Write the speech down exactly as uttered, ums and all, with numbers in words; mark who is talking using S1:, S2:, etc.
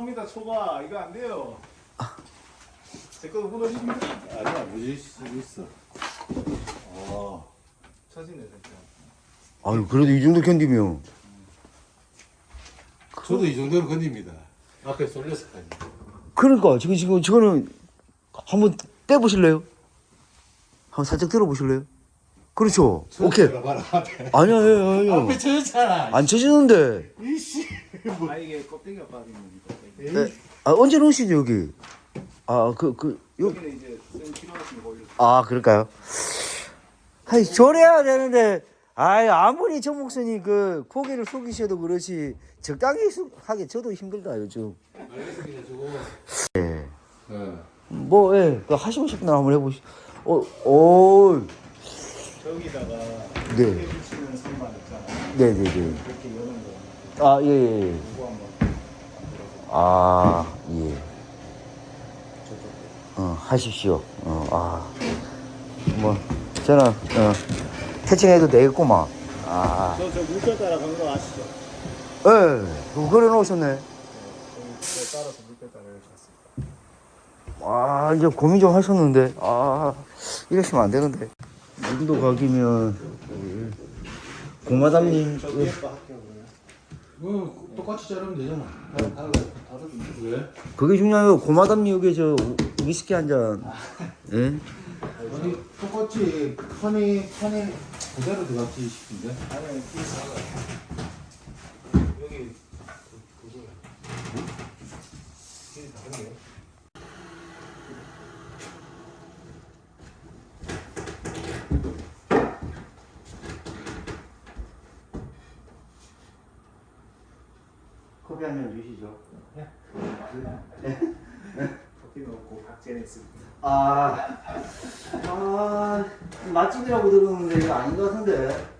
S1: 초과입니다. 초과. 이거 안 돼요. 제 거도 무너집니다.
S2: 아니야, 무질 수 있어.
S1: 어. 처지네 진짜.
S3: 아유, 그래도 이 정도 견디면.
S2: 저도 이 정도는 건집니다. 앞에 쏠렸을까지.
S3: 그러니까, 지금, 지금, 저거는 한번 떼보실래요? 한번 살짝 들어보실래요? 그렇죠. 오케이.
S2: 봐라, 앞에.
S3: 아니야, 아니야, 아니야.
S2: 앞에 쳐졌잖아.
S3: 안 쳐지는데.
S2: 이씨.
S1: 아 이게 껍데기가 빠진 겁니다.
S3: 에, 아, 언제 넣으시죠, 여기? 아, 그, 그, 요,
S1: 여기는 이제 쌤 필요하시면 올려.
S3: 아, 그럴까요? 아이, 저래야 되는데, 아이, 아무리 정 목사님 그, 고개를 숙이셔도 그렇지, 적당히 수, 하기 저도 힘들다, 요즘.
S2: 알겠습니다, 저거.
S3: 예.
S2: 네.
S3: 뭐, 예, 그 하시고 싶은 날 한번 해보시, 어, 오,
S1: 저기다가
S3: 네.
S1: 이렇게 붙이는 선반 있잖아요.
S3: 네네네.
S1: 이렇게 여는 거.
S3: 아, 예, 예. 예.
S1: 그거 한번 만들어서
S3: 아, 예.
S1: 저쪽.
S3: 어, 하십시오. 어, 아. 뭐, 저는, 어, 캐칭해도 되겠구만. 아.
S1: 저저 물결 따라 간 거 아시죠?
S3: 예, 그거 걸어 놓으셨네.
S1: 네, 저기 저 따라서 물결 따라 이렇게 갔습니다.
S3: 아, 이제 고민 좀 하셨는데. 아, 이러시면 안 되는데. 인도 가기면, 공마담님.
S1: 저 위에 거 할게요 그러면.
S2: 뭐, 똑같이 자르면 되잖아.
S1: 달라 다르던데.
S2: 왜?
S3: 그게 중요해요. 고마담님 여기 저 위스키 한 잔. 예?
S2: 아니, 똑같이 판이, 판이 그대로 들어갔지 싶은데.
S1: 아니 이 사가 여기 그- 그거야. 이게 다른데요?
S3: 커피 한 잔 주시죠.
S1: 커피 넣고 박제는 있습니다.
S3: 아, 아, 맛집이라고 들었는데 이거 아닌 것 같은데.